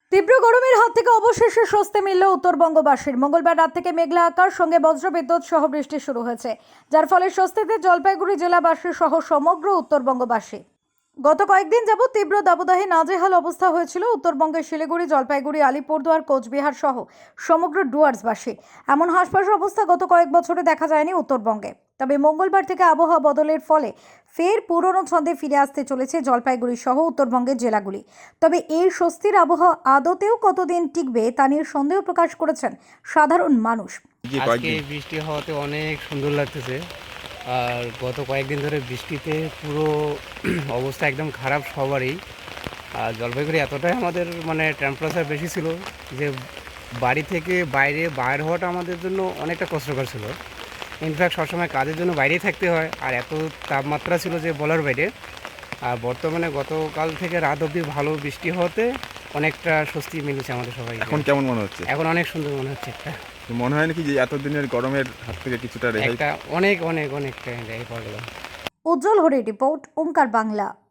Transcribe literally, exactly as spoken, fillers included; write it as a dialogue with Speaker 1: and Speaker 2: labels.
Speaker 1: তীব্র গরমের হাত থেকে অবশেষে স্বস্তি মিলল উত্তরবঙ্গবাসীর। মঙ্গলবার রাত থেকে মেঘলা আকাশ সঙ্গে বজ্রবিদ্যুৎ সহ বৃষ্টি শুরু হয়েছে, যার ফলে স্বস্তিতে জলপাইগুড়ি জেলাবাসী সহ সমগ্র উত্তরবঙ্গবাসী। গত কয়েকদিন যাবৎ তীব্র দাবদাহে নাজেহাল অবস্থা হয়েছিল উত্তরবঙ্গের শিলিগুড়ি, জলপাইগুড়ি, আলিপুরদুয়ার, কোচবিহার সহ সমগ্র ডুয়ার্সবাসী। এমন হাসপাস অবস্থা গত কয়েক বছরে দেখা যায়নি উত্তরবঙ্গে। তবে মঙ্গলবার থেকে আবহাওয়া বদলের ফলে ফের পুরনো ছন্দে ফিরে আসতে চলেছে জলপাইগুড়ি সহ উত্তরবঙ্গের জেলাগুলি। তবে এই স্বস্তির আবহাওয়া আদতেও কতদিন টিকবে তা নিয়ে সন্দেহ প্রকাশ করেছেন সাধারণ মানুষ।
Speaker 2: আজকে বৃষ্টি হওয়াতে অনেক সুন্দর লাগতেছে। আর গত কয়েকদিন ধরে বৃষ্টিতে পুরো অবস্থা একদম খারাপ সবারই। আর জলপাইগুড়ি এতটাই আমাদের মানে টেম্পারেচার বেশি ছিল যে বাড়ি থেকে বাইরে বাইর হওয়াটা আমাদের জন্য অনেকটা কষ্টকর ছিল। ইনফ্যাক্ট সবসময় কাজের জন্য বাইরেই থাকতে হয়, আর এত তাপমাত্রা ছিল যে বলার বাইরে। আর বর্তমানে গতকাল থেকে রাত অবধি ভালো বৃষ্টি হওয়াতে অনেকটা স্বস্তি মিলেছে আমাদের সবাই।
Speaker 3: এখন কেমন মনে হচ্ছে?
Speaker 2: এখন অনেক সুন্দর মনে হচ্ছে। একটা
Speaker 3: মনে হয় নাকি যে এতদিনের গরমের হাত থেকে কিছুটা রেহাই?
Speaker 2: একটা অনেক অনেক অনেকটা রেহাই পাওয়া গেল।
Speaker 1: উজ্জ্বল হরির রিপোর্ট, ওঙ্কার বাংলা।